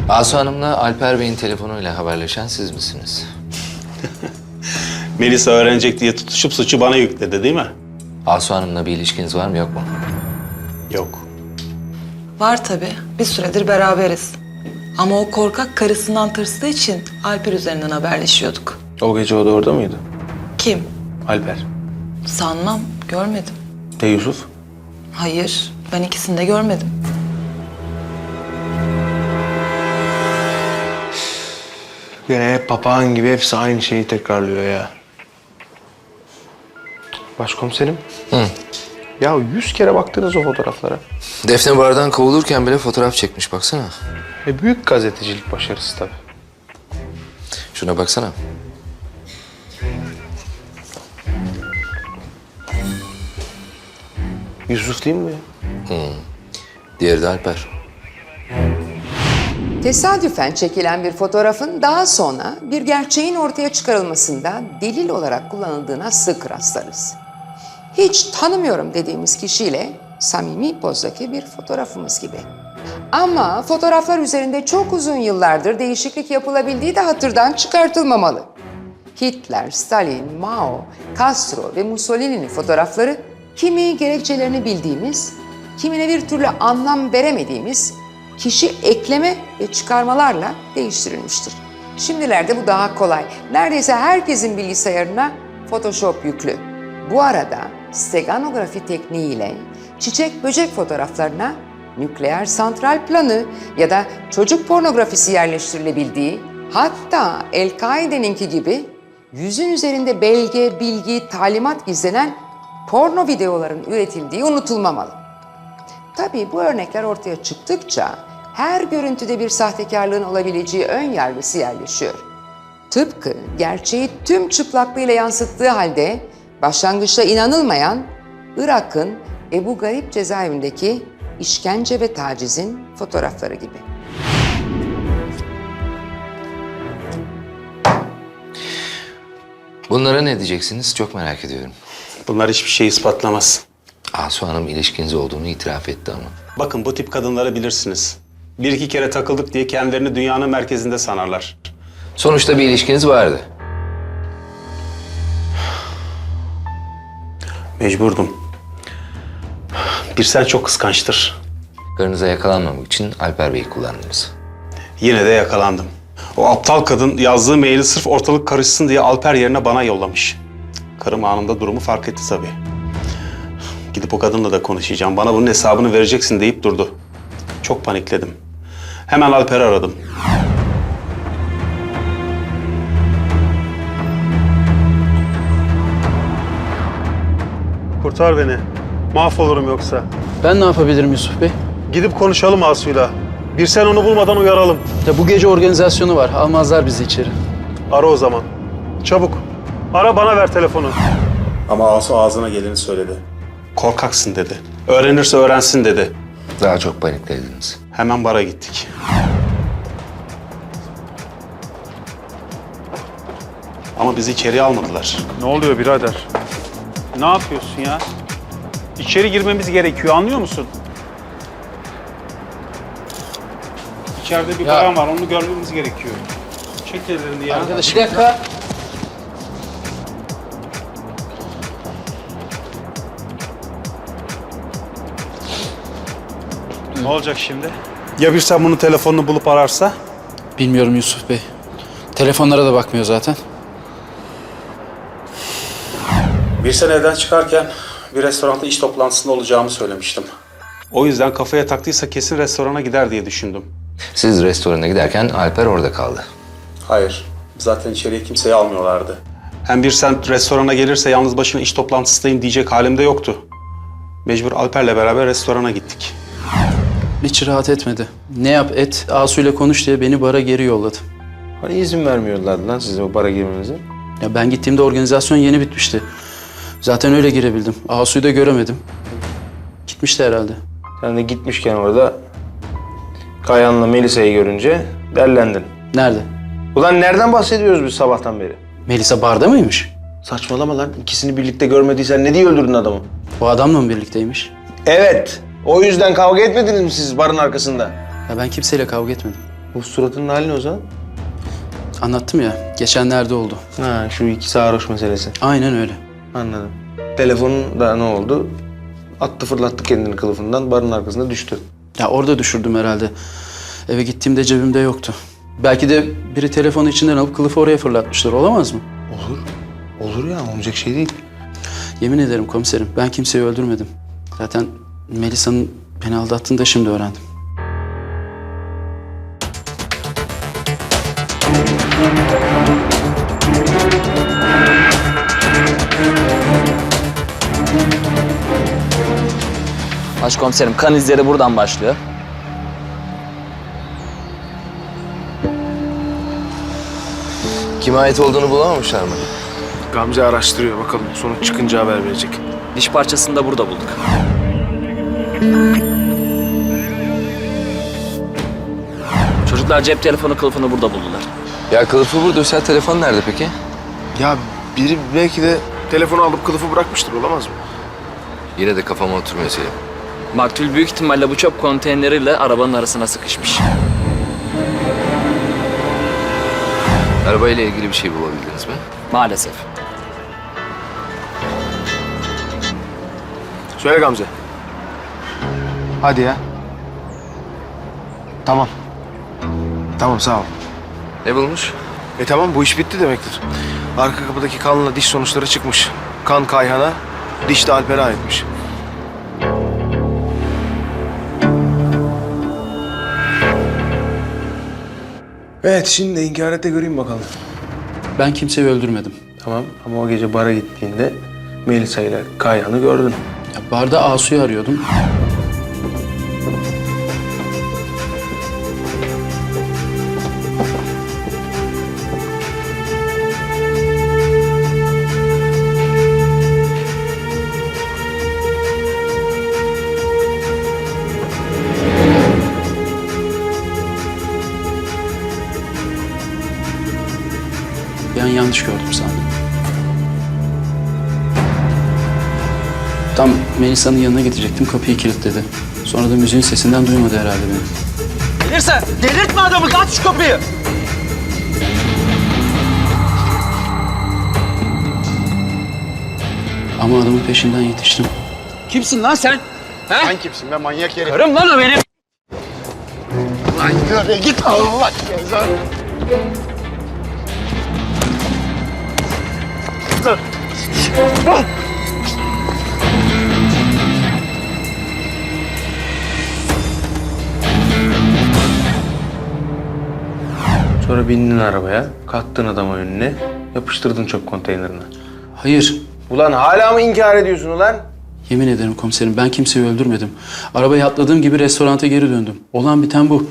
Asu Hanım'la Alper Bey'in telefonuyla haberleşen siz misiniz? Melisa öğrenecek diye tutuşup suçu bana yükledi değil mi? Asu Hanım'la bir ilişkiniz var mı yok mu? Yok. Var tabii. Bir süredir beraberiz. Ama o korkak karısından tırstığı için Alper üzerinden haberleşiyorduk. O gece o da orada mıydı? Kim? Alper. Sanmam. Görmedim. Yusuf? Hayır. Ben ikisini de görmedim. Gene hep papağan gibi hepsi aynı şeyi tekrarlıyor ya. Başkomiserim. Hı. Ya 100 kere baktınız o fotoğraflara. Defne bardan kovulurken bile fotoğraf çekmiş baksana. Büyük gazetecilik başarısı tabii. Şuna baksana. Yusuf değil mi bu ya? Diğeri de Alper. Tesadüfen çekilen bir fotoğrafın daha sonra bir gerçeğin ortaya çıkarılmasında delil olarak kullanıldığına sık rastlarız. Hiç tanımıyorum dediğimiz kişiyle samimi pozdaki bir fotoğrafımız gibi. Ama fotoğraflar üzerinde çok uzun yıllardır değişiklik yapılabildiği de hatırdan çıkartılmamalı. Hitler, Stalin, Mao, Castro ve Mussolini'nin fotoğrafları kimi gerekçelerini bildiğimiz, kimine bir türlü anlam veremediğimiz kişi ekleme ve çıkarmalarla değiştirilmiştir. Şimdilerde bu daha kolay. Neredeyse herkesin bilgisayarına Photoshop yüklü. Bu arada steganografi tekniğiyle çiçek böcek fotoğraflarına nükleer santral planı ya da çocuk pornografisi yerleştirilebildiği, hatta El-Kaide'ninki gibi yüzün üzerinde belge, bilgi, talimat gizlenen porno videoların üretildiği unutulmamalı. Tabii bu örnekler ortaya çıktıkça her görüntüde bir sahtekarlığın olabileceği ön yargısı yerleşiyor. Tıpkı gerçeği tüm çıplaklığıyla yansıttığı halde başlangıçta inanılmayan Irak'ın Ebu Garip cezaevindeki işkence ve tacizin fotoğrafları gibi. Bunlara ne diyeceksiniz? Çok merak ediyorum. Bunlar hiçbir şey ispatlamaz. Asu Hanım ilişkiniz olduğunu itiraf etti ama. Bakın bu tip kadınları bilirsiniz. Bir iki kere takıldık diye kendilerini dünyanın merkezinde sanarlar. Sonuçta bir ilişkiniz vardı. Mecburdum. Bir sen çok kıskançtır. Karınıza yakalanmamak için Alper Bey'i kullandınız. Yine de yakalandım. O aptal kadın yazdığı maili sırf ortalık karışsın diye Alper yerine bana yollamış. Karım anında durumu fark etti tabii. Gidip o kadınla da konuşacağım. Bana bunun hesabını vereceksin deyip durdu. Çok panikledim. Hemen Alper'i aradım. Kurtar beni. Mahvolurum yoksa. Ben ne yapabilirim Yusuf Bey? Gidip konuşalım Asu'yla. Bir sen onu bulmadan uyaralım. Ya bu gece organizasyonu var. Almazlar bizi içeri. Ara o zaman. Çabuk. Ara, bana ver telefonu. Ama Asu ağzına geleni söyledi. Korkaksın dedi. Öğrenirse öğrensin dedi. Daha çok paniklediniz. Hemen bara gittik. Ama bizi içeriye almadılar. Ne oluyor birader? Ne yapıyorsun ya? İçeri girmemiz gerekiyor, anlıyor musun? İçeride bir bayan var, onu görmemiz gerekiyor. Çek ellerini ya. Arkadaş bir dakika. Ne olacak şimdi? Ya bir sen bunun telefonunu bulup ararsa? Bilmiyorum Yusuf Bey. Telefonlara da bakmıyor zaten. Bir sen evden çıkarken bir restoranda iş toplantısında olacağımı söylemiştim. O yüzden kafaya taktıysa kesin restorana gider diye düşündüm. Siz restorana giderken Alper orada kaldı. Hayır. Zaten içeriye kimseyi almıyorlardı. Hem bir sen restorana gelirse yalnız başına iş toplantısındayım diyecek halimde yoktu. Mecbur Alper'le beraber restorana gittik. Hiç rahat etmedi. Ne yap et, Asu'yla konuş diye beni bara geri yolladı. Hani izin vermiyorlardı lan size o bara girmenize? Ya ben gittiğimde organizasyon yeni bitmişti. Zaten öyle girebildim. Asu'yu da göremedim. Gitmişti herhalde. Sen de gitmişken orada Kayan'la Melisa'yı görünce derlendin. Nerede? Ulan nereden bahsediyoruz biz sabahtan beri? Melisa barda mıymış? Saçmalama lan. İkisini birlikte görmediysen ne diye öldürdün adamı? O adamla mı birlikteymiş? Evet. O yüzden kavga etmediniz mi siz barın arkasında? Ya ben kimseyle kavga etmedim. Bu suratının hali ne o zaman? Anlattım ya, geçenlerde oldu. Ha, şu iki sarhoş meselesi. Aynen öyle. Anladım. Telefonun da ne oldu? Attı fırlattı kendini kılıfından, barın arkasında düştü. Ya orada düşürdüm herhalde. Eve gittiğimde cebimde yoktu. Belki de biri telefonu içinden alıp kılıfı oraya fırlatmıştır. Olamaz mı? Olur. Olur ya, olmayacak şey değil. Yemin ederim komiserim, ben kimseyi öldürmedim. Zaten Melisa'nın beni aldattığını da şimdi öğrendim. Başkomiserim, kan izleri buradan başlıyor. Kime ait olduğunu bulamamışlar mı? Gamze araştırıyor, bakalım sonuç çıkınca haber verecek. Diş parçasını da burada bulduk. Çocuklar cep telefonu kılıfını burada buldular. Ya kılıfı buradaysa telefon nerede peki? Ya biri belki de telefonu alıp kılıfı bırakmıştır, olamaz mı? Yine de kafama oturmuyor Selim. Maktul büyük ihtimalle bu çöp konteyneriyle arabanın arasına sıkışmış. Arabayla ilgili bir şey bulabildiniz mi? Maalesef. Söyle Gamze. Hadi ya. Tamam. Tamam, sağ ol. Ne bulmuş? Tamam, bu iş bitti demektir. Arka kapıdaki kanla diş sonuçları çıkmış. Kan Kayhan'a, diş de Alper'e aitmiş. Evet, şimdi inkar et de göreyim bakalım. Ben kimseyi öldürmedim. Tamam, ama o gece bara gittiğinde Melisa ile Kayhan'ı gördün. Ya barda Asu'yu arıyordum. Bir an yanlış gördüm sandım. Tam Melisa'nın yanına gidecektim, kapıyı kilitledi. Sonra da müziğin sesinden duymadı herhalde beni. Gelirsen delirtme adamı, aç şu kapıyı. Ama adamın peşinden yetiştim. Kimsin lan sen? Sen kimsin be manyak herif? Karım lan o benim. Lan yürü git Allah cezanı. Sonra bindin arabaya, kalktın adama önüne, yapıştırdın çöp konteynerine. Hayır, Ulan hala mı inkar ediyorsun ulan? yemin ederim komiserim, ben kimseyi öldürmedim. Arabaya atladığım gibi restoranta geri döndüm. Olan biten bu.